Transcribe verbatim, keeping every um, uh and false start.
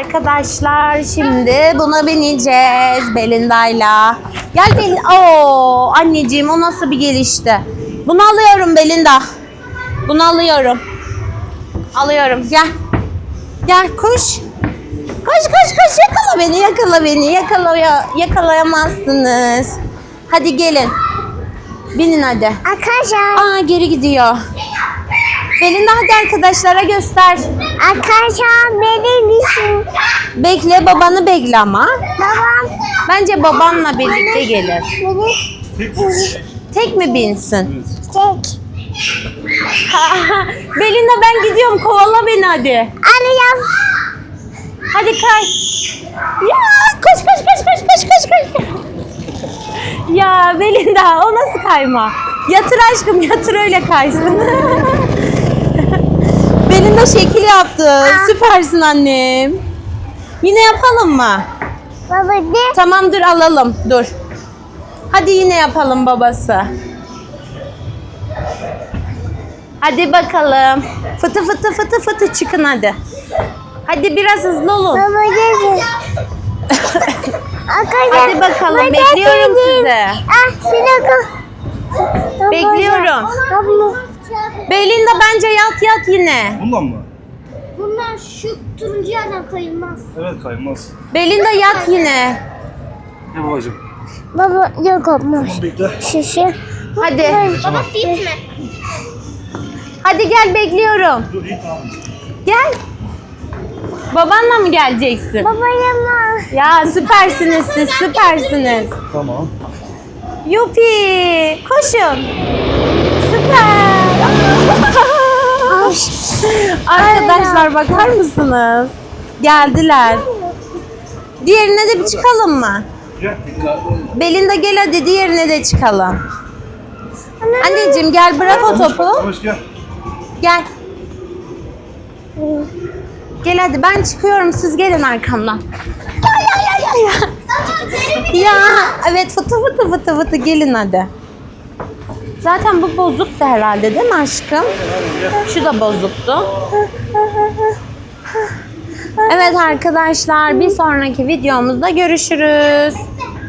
arkadaşlar, şimdi buna bineceğiz Belinda'yla. Gel Belinda. Oo, anneciğim o nasıl bir gelişti? Bunu alıyorum Belinda. Bunu alıyorum. Alıyorum. Gel. Gel koş. Koş koş koş, yakala beni, yakala beni. Yakalaya, yakalayamazsınız. Hadi gelin. Binin hadi. Arkadaşlar. Aa, geri gidiyor. Belinda hadi arkadaşlara göster. Arkadaşlar benim için. Bekle, babanı bekle ama. Babam. Bence babanla birlikte gelir. Benim. Tek mi binsin? Tek. Belinda ben gidiyorum, kovala beni hadi. Arayam. Hadi kay. Ya koş koş koş koş koş koş koş. Ya Belinda o nasıl kayma? Yatır aşkım, yatır öyle kaysın. Belinda şekil yaptı. Süpersin annem. Yine yapalım mı? Baba de. Tamam dur alalım. Dur. Hadi yine yapalım babası. Hadi bakalım. Fıtı fıtı fıtı fıtı çıkın hadi. Hadi biraz hızlı olun. Baba de. Arkadaşlar. Hadi bakalım, baba bekliyorum dedim. sizi. Ah silahı. Bekliyorum. Baba. Belinda bence yat yat yine. Bundan mı? Bunlar şu turuncu yerden kayılmaz. Evet, kaymaz. Belinda yat yine. Ne babacığım? Baba yok olmaz. Bekle. Şişe. Hadi. Baba fit mi? Hadi gel, bekliyorum. Dur, iyi tamam. Gel. Babanla mı geleceksin? Baba yana. Ya süpersiniz siz, süpersiniz. Tamam. Yupi! Koşun. Süper. Arkadaşlar bakar mısınız? Geldiler. Diğerine de bir çıkalım mı? Gel. Belinda gel hadi diğerine de çıkalım. Anneciğim gel, bırak o topu. Hoş gel. Gel. Gel hadi, ben çıkıyorum, siz gelin arkamdan. Ya ya ya ya ya. Ya evet, fıtı fıtı fıtı fıtı gelin hadi. Zaten bu bozuktu herhalde değil mi aşkım? Şu da bozuktu. Evet arkadaşlar, bir sonraki videomuzda görüşürüz.